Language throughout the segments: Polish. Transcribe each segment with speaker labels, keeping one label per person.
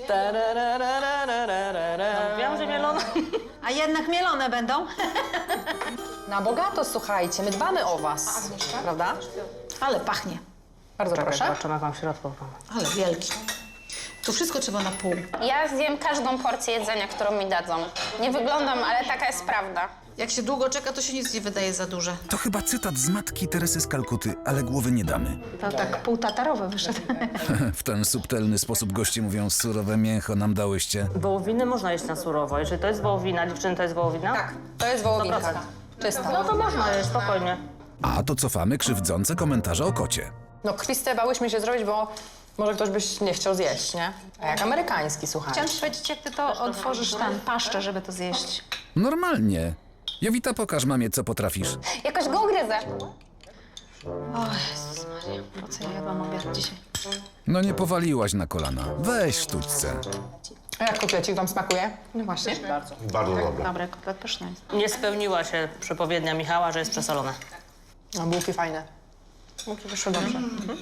Speaker 1: Wiem, że mielone.
Speaker 2: A jednak mielone będą?
Speaker 3: Na bogato, słuchajcie, my dbamy o was, prawda?
Speaker 2: Ale pachnie.
Speaker 3: Bardzo proszę.
Speaker 1: Zobaczymy, jak mam w środku.
Speaker 2: Ale wielki. To wszystko trzeba na pół.
Speaker 4: Ja zjem każdą porcję jedzenia, którą mi dadzą. Nie wyglądam, ale taka jest prawda.
Speaker 2: Jak się długo czeka, to się nic nie wydaje za duże.
Speaker 5: To chyba cytat z matki Teresy z Kalkuty, ale głowy nie damy.
Speaker 2: To tak półtatarowe wyszedł.
Speaker 5: W ten subtelny sposób goście mówią, surowe mięcho nam dałyście.
Speaker 1: Wołowiny można jeść na surowo. Jeżeli to jest wołowina, dziewczyny, to jest wołowina?
Speaker 3: Tak, to jest wołowinka.
Speaker 1: 100%.
Speaker 3: Czysta.
Speaker 1: No to można jeść, spokojnie.
Speaker 5: A to cofamy krzywdzące komentarze o kocie.
Speaker 3: No krwiste bałyśmy się zrobić, bo może ktoś byś nie chciał zjeść, nie? A jak amerykański, słuchaj.
Speaker 2: Chciałam ci powiedzieć, jak ty to otworzysz tam paszczę, żeby to zjeść.
Speaker 5: Normalnie. Jowita, pokaż mamie, co potrafisz.
Speaker 4: Jakoś go ugryzę.
Speaker 2: O Jezus Maria, po co ja jadłam obiad dzisiaj?
Speaker 5: No nie powaliłaś na kolana. Weź sztućce.
Speaker 3: A jak kotlecik wam smakuje? No właśnie.
Speaker 6: Bardzo dobre.
Speaker 2: Dobre, kotlet pyszny jest.
Speaker 1: Nie spełniła się przepowiednia Michała, że jest przesolone.
Speaker 3: No bułki fajne. Bułki wyszły dobrze.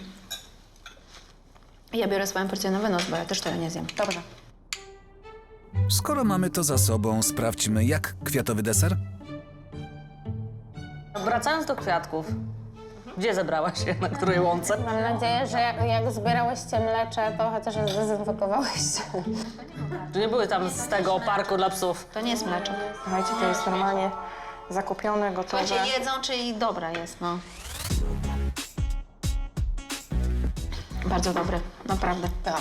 Speaker 2: Ja biorę swoją porcję na wynos, bo ja też tego nie zjem.
Speaker 3: Dobrze.
Speaker 5: Skoro mamy to za sobą, sprawdźmy, jak kwiatowy deser?
Speaker 1: Wracając do kwiatków. Gdzie zebrałaś się? Na której łące?
Speaker 4: Mam nadzieję, że jak zbierałyście mlecze, to chociaż je zdezynfekowałyście.
Speaker 1: Czy nie były tam z tego parku dla psów?
Speaker 2: To nie jest mleczek.
Speaker 3: Słuchajcie, to jest normalnie zakupione, gotowe.
Speaker 2: Słuchajcie, jedzą, czyli dobra jest, no. Bardzo dobre, naprawdę.
Speaker 3: Tak.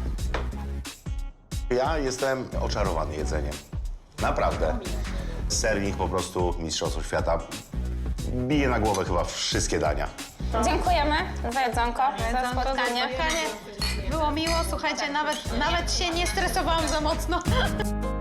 Speaker 6: Ja jestem oczarowany jedzeniem. Naprawdę. Sernik po prostu Mistrzostwo Świata. Bije na głowę chyba wszystkie dania.
Speaker 4: Dziękujemy za jedzonko, za spotkanie.
Speaker 2: Było miło, słuchajcie, nawet się nie stresowałam za mocno.